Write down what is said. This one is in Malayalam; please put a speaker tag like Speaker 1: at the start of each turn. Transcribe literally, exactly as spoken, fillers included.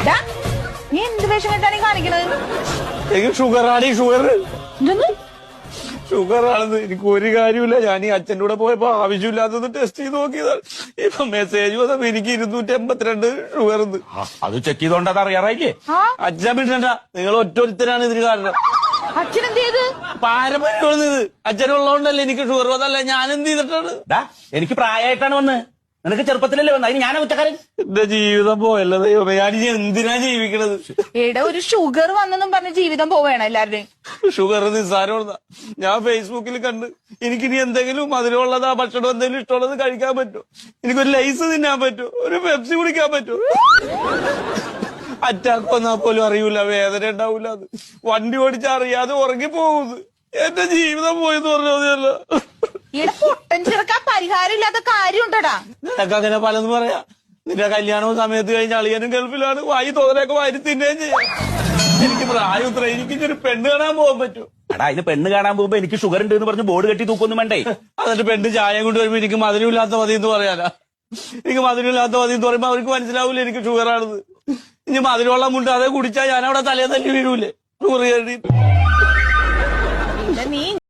Speaker 1: നീ എന്ത് വേഷം കെട്ടാണ് കാണിക്കണത്?
Speaker 2: എനിക്ക് ഷുഗറാണ് ഈ ഷുഗർ
Speaker 1: എന്തെന്ന്?
Speaker 2: ഷുഗറാണെന്ന് എനിക്ക് ഒരു കാര്യമില്ല. ഞാൻ ഈ അച്ഛൻ്റെ കൂടെ പോയപ്പോ ആവശ്യമില്ലാത്തത് ടെസ്റ്റ് ചെയ്ത് നോക്കിയതാണ്. ഇപ്പൊ മെസ്സേജ് വന്നപ്പോ എനിക്ക് ഇരുന്നൂറ്റി എൺപത്തിരണ്ട് ഷുഗർ ഉണ്ട്.
Speaker 3: അത് ചെക്ക് ചെയ്തോണ്ട് അത് അറിയാറായില്ലേ?
Speaker 2: അച്ഛൻ വിടണ്ട, നിങ്ങൾ ഒറ്റൊരുത്തരാണ് ഇതിന് കാരണം.
Speaker 1: അച്ഛൻ എന്ത് ചെയ്ത്?
Speaker 2: പാരമ്പര്യം ഇത് അച്ഛനുള്ളതുകൊണ്ടല്ലേ എനിക്ക് ഷുഗർ വന്നല്ല. ഞാൻ എന്ത് ചെയ്തിട്ടാണ്?
Speaker 3: എനിക്ക് പ്രായമായിട്ടാണ് വന്ന്, നിനക്ക് ചെറുപ്പത്തിലല്ലേ വന്നത്. അതിന് ഞാനാ കുറ്റക്കാരൻ.
Speaker 2: എന്റെ ജീവിതം പോയല്ലോ ദൈവമേ, ഞാൻ എന്തിനാ ജീവിക്കണത്?
Speaker 1: എടാ, ഒരു ഷുഗർ വന്നെന്നും പറഞ്ഞ് ജീവിതം പോവേണം എല്ലാവരുടെയും.
Speaker 2: ഷുഗർ നിസ്സാരമുള്ളതാ. ഞാൻ ഫേസ്ബുക്കിൽ കണ്ട് എനിക്കിനി എന്തെങ്കിലും മധുരമുള്ളതാ ഭക്ഷണം എന്തെങ്കിലും ഇഷ്ടമുള്ളത് കഴിക്കാൻ പറ്റുമോ? എനിക്കൊരു ലൈസ് തിന്നാൻ പറ്റുമോ? ഒരു പെപ്സി കുടിക്കാൻ പറ്റുമോ? അറ്റാക്ക് വന്നാൽ പോലും അറിയൂല, വേദന ഉണ്ടാവൂല. അത് വണ്ടി ഓടിച്ചാ അറിയാതെ ഉറങ്ങി പോകുന്നത്. എന്റെ ജീവിതം പോയെന്ന് പറഞ്ഞല്ല.
Speaker 1: ഇവിടെ പൊട്ടൻ ചെറുക്കാൻ പരിഹാരം ഇല്ലാത്ത കാര്യം ഉണ്ടടാ.
Speaker 2: നിനക്ക് അങ്ങനെ പലതും പറയാ. നിന്റെ കല്യാണവും സമയത്ത് കഴിഞ്ഞ അളിയനും ഗൾഫിലാണ്. വായി തോന്നലൊക്കെ വാരി തിന്നുകയും ചെയ്യാം. എനിക്ക് പ്രായം ഇത്ര, എനിക്ക് ഒരു പെണ്ണ് കാണാൻ പോകാൻ പറ്റും.
Speaker 3: എടാ, ഇത് പെണ്ണ് കാണാൻ പോകുമ്പോ എനിക്ക് ഷുഗർ ഉണ്ട് എന്ന് പറഞ്ഞ് ബോർഡ് കെട്ടി തൂക്കൊന്നും വേണ്ടേ?
Speaker 2: എന്നിട്ട് പെണ്ണ് ചായ കൊണ്ട് വരുമ്പോ എനിക്ക് മധുരമില്ലാത്ത മതി എന്ന് പറയാനാ? എനിക്ക് മധുരമില്ലാത്ത മതി എന്ന് പറയുമ്പോ അവർക്ക് മനസ്സിലാവൂല എനിക്ക് ഷുഗറാണെന്ന്. ഇനി മധുരമുള്ള മുണ്ട് അതേ കുടിച്ചാൽ ഞാൻ അവിടെ തലേ തല്ലി വീഴൂലേ ഷുഗർ കയറി.